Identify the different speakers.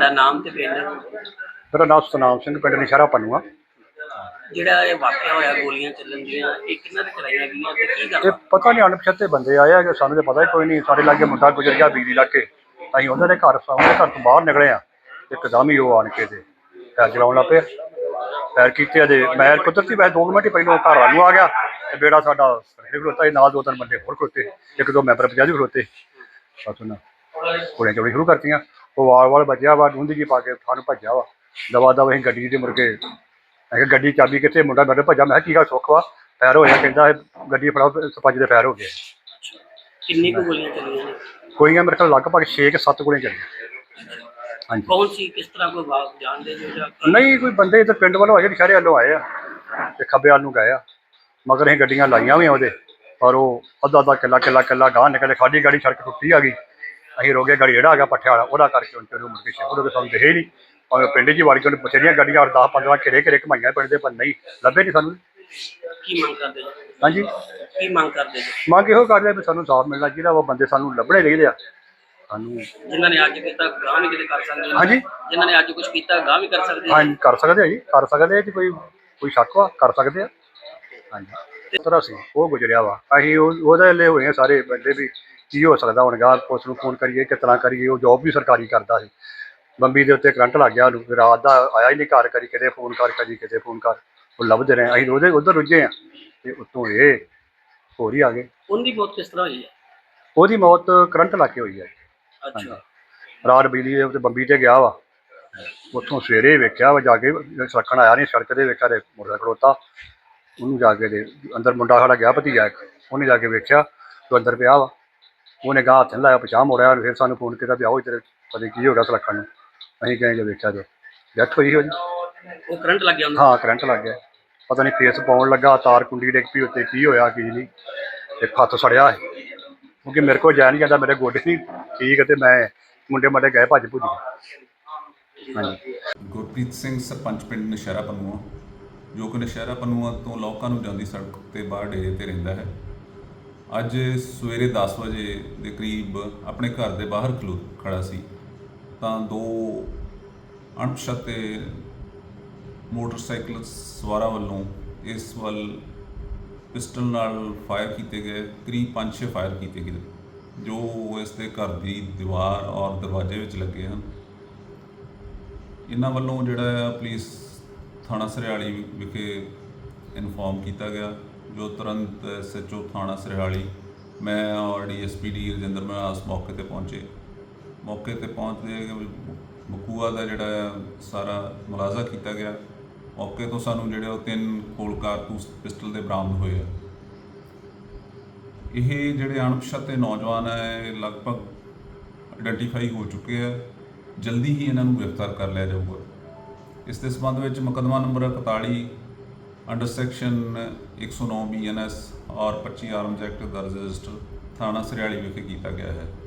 Speaker 1: ਤੁਹਾਡਾ ਨਾਮ ਤੇ ਪਿੰਡ?
Speaker 2: ਮੇਰਾ ਨਾਮ ਸਤਨਾਮ ਸਿੰਘ, ਪਿੰਡ ਨਸ਼ਹਿਰਾ ਪੰਨੂਆ।
Speaker 1: ਜਿਹੜਾ ਇਹ ਵਾਕਿਆ ਹੋਇਆ ਗੋਲੀਆਂ ਚੱਲਣ ਦੀਆਂ, ਇਹ ਕਿਹਨਾਂ ਨੇ ਚਲਾਈਆਂ ਗਈਆਂ ਤੇ ਕੀ
Speaker 2: ਇਹ
Speaker 1: ਗੱਲ?
Speaker 2: ਪਤਾ ਨਹੀਂ, ਅਣਪਛਾਤੇ ਬੰਦੇ ਆਏ ਹੈਗੇ, ਸਾਨੂੰ ਤਾਂ ਪਤਾ ਹੀ ਕੋਈ ਨਹੀਂ। ਸਾਡੇ ਲਾਗੇ ਮੁੰਡਾ ਗੁਜ਼ਰ ਗਿਆ ਬਿਜਲੀ ਲਾ ਕੇ, ਅਸੀਂ ਉਹਨਾਂ ਦੇ ਘਰ ਤੋਂ ਬਾਹਰ ਨਿਕਲੇ ਆ, ਇੱਕਦਮ ਹੀ ਉਹ ਆਣ ਕੇ ਤੇ ਫੈਰ ਚਲਾਉਣ ਲੱਗ ਪਏ। ਫੈਰ ਕੀਤੇ ਅਜੇ ਮੈਂ ਕੁਦਰਤੀ ਵੈਸੇ 2 ਮਿੰਟ ਹੀ ਪਹਿਲਾਂ ਘਰ ਵੱਲ ਨੂੰ ਆ ਗਿਆ ਤੇ ਬੇੜਾ ਸਾਡਾ ਖਲੋਤਾ ਸੀ, ਨਾਲ 2-3 ਬੰਦੇ ਹੋਰ ਖਲੋਤੇ, 1-2 ਮੈਂਬਰ ਪੰਚਾਇਤ ਵੀ ਖਲੋਤੇ। ਬਸ ਉਹਨਾਂ ਗੋਲੀਆਂ ਚਲਾਉਣੀ ਸ਼ੁਰੂ ਕਰਤੀਆਂ। ਉਹ ਵਾਲ ਬਚਿਆ ਵਾ, ਡੂੰਦੀ ਜੀ ਪਾ ਕੇ ਸਾਨੂੰ ਭੱਜਿਆ ਵਾ ਦਵਾ ਦਵ। ਅਸੀਂ ਗੱਡੀ ਦੇ ਮੁੜ ਕੇ ਮੈਂ ਕਿਹਾ ਗੱਡੀ ਚਾਬੀ ਕਿੱਥੇ? ਮੁੰਡਾ ਮੇਰੇ ਭੱਜਾ। ਮੈਂ ਕਿਹਾ ਕੀ ਗੱਲ ਸੁੱਖ ਵਾ? ਫੈਰ ਹੋਇਆ? ਕਹਿੰਦਾ ਗੱਡੀ ਫੜਾਓ, ਸਪੰਜ ਦੇ ਫੈਰ ਹੋ ਗਏ।
Speaker 1: ਕਿੰਨੀ ਕੁ ਗੋਲੀਆਂ ਚੱਲੀਆਂ ਨੇ?
Speaker 2: ਗੋਲੀਆਂ ਮੇਰੇ ਕੋਲ ਲਗਭਗ 6-7 ਗੋਲੀਆਂ ਚੱਲੀਆਂ। ਹਾਂਜੀ।
Speaker 1: ਕੌਣ ਸੀ, ਕਿਸ ਤਰ੍ਹਾਂ, ਕੋਈ ਬਾਤ ਜਾਣਦੇ ਜੋ ਜਾਂ
Speaker 2: ਨਹੀਂ, ਕੋਈ ਬੰਦੇ ਇੱਧਰ ਪਿੰਡ ਵੱਲੋਂ ਆਏ, ਨਸ਼ਹਿਰੇ ਵੱਲੋਂ ਆਏ ਆ ਤੇ ਖੱਬੇ ਵੱਲ ਨੂੰ ਗਏ ਆ, ਮਗਰ ਅਸੀਂ ਗੱਡੀਆਂ ਲਾਈਆਂ ਵੀ ਉਹਦੇ, ਪਰ ਉਹ ਅੱਧਾ ਕਿੱਲਾ ਗਾਂਹ ਨਿਕਲੇ। ਸਾਡੀ ਗਾੜੀ ਸੜਕ ਟੁੱਟੀ ਆ ਗਈ, ਅਸੀਂ ਰੋਗੇ ਗਾੜੀ ਜਿਹੜਾ ਆ ਗਿਆ ਪੱਠਿਆ ਵਾਲਾ, ਉਹਦਾ ਕਰਕੇ ਉਹਨੂੰ ਮੁੜ ਕੇ ਸ਼ਹਿਰ ਸਾਨੂੰ ਦਿਖੇ ਹੀ ਨਹੀਂ। ਭਾਵੇਂ ਪਿੰਡ 'ਚ ਹੀ ਵੜ ਕੇ ਉਹਨੇ ਬਥੇਰੀਆਂ ਗੱਡੀਆਂ 10-15 ਘੇਰੇ ਘਮਾਈਆਂ ਪਿੰਡ ਦੇ, ਪਰ ਨਹੀਂ ਲੱਭੇ ਨਹੀਂ ਸਾਨੂੰ।
Speaker 1: ਕੀ ਮੰਗ ਕਰਦੇ ਜੀ?
Speaker 2: ਹਾਂਜੀ,
Speaker 1: ਕੀ ਮੰਗ ਕਰਦੇ ਜੀ?
Speaker 2: ਮੰਗ ਇਹੋ ਕਰਦੇ ਵੀ ਸਾਨੂੰ ਸਾਫ਼ ਮਿਲਣਾ ਚਾਹੀਦਾ ਵਾ, ਬੰਦੇ ਸਾਨੂੰ ਲੱਭਣੇ ਚਾਹੀਦੇ ਆ ਸਾਨੂੰ।
Speaker 1: ਜਿਨ੍ਹਾਂ ਨੇ ਅੱਜ ਕੀਤਾ ਗਾਂਹ ਵੀ ਕਿਤੇ ਕਰ ਸਕਦੇ ਨੇ?
Speaker 2: ਹਾਂਜੀ,
Speaker 1: ਜਿਨ੍ਹਾਂ ਨੇ ਅੱਜ ਕੁਝ ਕੀਤਾ ਗਾਂਹ ਵੀ ਕਰ ਸਕਦੇ ਨੇ?
Speaker 2: ਹਾਂਜੀ ਕਰ ਸਕਦੇ ਆ ਜੀ, ਕਰ ਸਕਦੇ ਆ ਜੀ। ਕੋਈ ਸ਼ੱਕ ਵਾ? ਕਰ ਸਕਦੇ ਆ। ਹਾਂਜੀ, ਤਰ੍ਹਾਂ ਸੀ ਉਹ ਗੁਜ਼ਰਿਆ ਵਾ। ਅਸੀਂ ਉਹਦੇ ਲਈ ਹੋਏ ਆ ਸਾਰੇ ਬੰਦੇ ਵੀ ਕੀ ਹੋ ਸਕਦਾ ਹੁਣ ਗਾਂ, ਪੁਲਿਸ ਨੂੰ ਫੋਨ ਕਰੀਏ ਕਿਸ ਤਰ੍ਹਾਂ ਕਰੀਏ। ਉਹ ਜੋਬ ਵੀ ਸਰਕਾਰੀ ਕਰਦਾ ਸੀ। ਬੰਬੀ ਦੇ ਉੱਤੇ ਕਰੰਟ ਲੱਗ ਗਿਆ ਉਹਨੂੰ, ਰਾਤ ਦਾ ਆਇਆ ਹੀ ਨਹੀਂ ਘਰ, ਕਰੀ ਕਿਤੇ ਫੋਨ ਕਰ, ਕਦੀ ਕਿਤੇ ਫੋਨ ਕਰ, ਉਹ ਲੱਭਦੇ ਰਹੇ। ਅਸੀਂ ਉਹਦੇ ਉੱਧਰ ਰੁੱਝੇ ਆ ਤੇ ਉੱਤੋਂ ਇਹ ਹੋਰ ਹੀ ਆ ਗਏ।
Speaker 1: ਉਹਦੀ ਮੌਤ ਕਿਸ ਤਰ੍ਹਾਂ ਹੋਈ ਹੈ?
Speaker 2: ਉਹਦੀ ਮੌਤ ਕਰੰਟ ਲੱਗ ਕੇ ਹੋਈ ਹੈ।
Speaker 1: ਅੱਛਾ।
Speaker 2: ਰਾਤ ਬਿਜਲੀ ਦੇ ਉੱਤੇ ਬੰਬੀ ਤੇ ਗਿਆ ਵਾ, ਉੱਥੋਂ ਸਵੇਰੇ ਵੇਖਿਆ ਵਾ ਜਾ ਕੇ, ਸੜਕਣ ਆਇਆ ਨਹੀਂ, ਸੜਕ ਤੇ ਵੇਖਿਆ ਤੇ ਮੁੰਡਾ ਖੜੋਤਾ। ਉਹਨੂੰ ਜਾ ਕੇ ਦੇ ਅੰਦਰ, ਮੁੰਡਾ ਸਾਡਾ ਗਿਆ ਭਤੀਜਾ ਇੱਕ, ਉਹਨੇ ਜਾ ਕੇ ਵੇਖਿਆ ਤੂੰ ਅੰਦਰ ਪਿਆ ਵਾ। ਉਹਨੇ ਗਾਹ ਹੱਥ ਨਹੀਂ ਲਾਇਆ, ਪਛਾਣ ਮੋੜਿਆ, ਫਿਰ ਸਾਨੂੰ ਫੋਨ ਕੀਤਾ ਵੀ ਆਓ ਇੱਧਰ, ਪਤਾ ਕੀ ਹੋ ਗਿਆ ਸੜਕਾਂ ਨੂੰ। ਅਸੀਂ ਗਏ ਜੇ ਵੇਖਿਆ ਤੇ ਡੈਥ ਹੋਈ ਉਹਦੀ।
Speaker 1: ਉਹ ਕਰੰਟ ਲੱਗ ਗਿਆ ਉਹਨੂੰ?
Speaker 2: ਹਾਂ, ਕਰੰਟ ਲੱਗ ਗਿਆ। ਪਤਾ ਨਹੀਂ ਫੇਸ ਪਾਉਣ ਲੱਗਾ, ਤਾਰ ਕੁੰਡੀ ਡਿੱਗ ਪਈ ਉੱਤੇ, ਕੀ ਹੋਇਆ ਕੀ ਨਹੀਂ। ਇੱਕ ਹੱਥ ਸੜਿਆ ਹੈ, ਕਿਉਂਕਿ ਮੇਰੇ ਕੋਲ ਜਾ ਨਹੀਂ ਜਾਂਦਾ, ਮੇਰੇ ਗੋਡੇ ਨਹੀਂ ਠੀਕ ਅਤੇ ਮੈਂ ਮੁੰਡੇ ਮਾਡੇ ਗਏ ਭੱਜ ਭੁੱਜ ਗਏ। ਹਾਂਜੀ।
Speaker 3: ਗੁਰਪ੍ਰੀਤ ਸਿੰਘ, ਸਰਪੰਚ ਪਿੰਡ ਨਸ਼ਹਿਰਾ ਪੰਨੂਆ, ਜੋ ਕਿ ਨਸ਼ਹਿਰਾ ਪੰਨੂਆ ਤੋਂ ਲੋਕਾਂ ਨੂੰ ਜਾਂਦੀ ਸੜਕ ਤੇ ਬਾਹਰ ਡੇਰੇ 'ਤੇ ਰਹਿੰਦਾ ਹੈ। ਅੱਜ ਸਵੇਰੇ 10 ਵਜੇ ਦੇ ਕਰੀਬ ਆਪਣੇ ਘਰ ਦੇ ਬਾਹਰ ਖੜਾ ਸੀ ਤਾਂ 2 ਅਣਪਛਾਤੇ ਮੋਟਰਸਾਈਕਲ ਸਵਾਰਾਂ ਵੱਲੋਂ ਇਸ ਵੱਲ ਪਿਸਟਲ ਨਾਲ ਫਾਇਰ ਕੀਤੇ ਗਏ। ਕਰੀਬ 5-6 ਫਾਇਰ ਕੀਤੇ ਗਏ ਜੋ ਇਸ ਦੇ ਘਰ ਦੀ ਦੀਵਾਰ ਔਰ ਦਰਵਾਜ਼ੇ ਵਿੱਚ ਲੱਗੇ ਹਨ। ਇਹਨਾਂ ਵੱਲੋਂ ਜਿਹੜਾ ਪੁਲਿਸ ਥਾਣਾ ਸਰਿਆਲੀ ਵਿਖੇ ਇਨਫੋਰਮ ਕੀਤਾ ਗਿਆ, ਜੋ ਤੁਰੰਤ SHO ਥਾਣਾ ਸਰਿਆਲੀ, ਮੈਂ ਔਰ DSP ਰਜਿੰਦਰ ਮਨਹਾਸ ਮੌਕੇ 'ਤੇ ਪਹੁੰਚੇ। ਮੌਕੇ 'ਤੇ ਪਹੁੰਚਦੇ ਬਕੂਆ ਦਾ ਜਿਹੜਾ ਸਾਰਾ ਮੁਲਾਜ਼ਾ ਕੀਤਾ ਗਿਆ। ਮੌਕੇ ਤੋਂ ਸਾਨੂੰ ਜਿਹੜੇ ਉਹ 3 ਖੋਲ ਕਾਰਤੂਸ ਪਿਸਟਲ ਦੇ ਬਰਾਮਦ ਹੋਏ ਆ। ਇਹ ਜਿਹੜੇ ਅਣਪਛਾਤੇ ਨੌਜਵਾਨ ਹੈ ਲਗਭਗ ਆਈਡੈਂਟੀਫਾਈ ਹੋ ਚੁੱਕੇ ਆ, ਜਲਦੀ ਹੀ ਇਹਨਾਂ ਨੂੰ ਗ੍ਰਿਫਤਾਰ ਕਰ ਲਿਆ ਜਾਊਗਾ। ਇਸ ਦੇ ਸੰਬੰਧ ਵਿੱਚ ਮੁਕੱਦਮਾ ਨੰਬਰ 41 ਅੰਡਰ ਸੈਕਸ਼ਨ 109 BNS ਔਰ 25 ਆਰਮਜ਼ ਐਕਟ ਦਰਜ ਰਜਿਸਟਰ ਥਾਣਾ ਸਰਿਆਲੀ ਵਿਖੇ ਕੀਤਾ ਗਿਆ ਹੈ।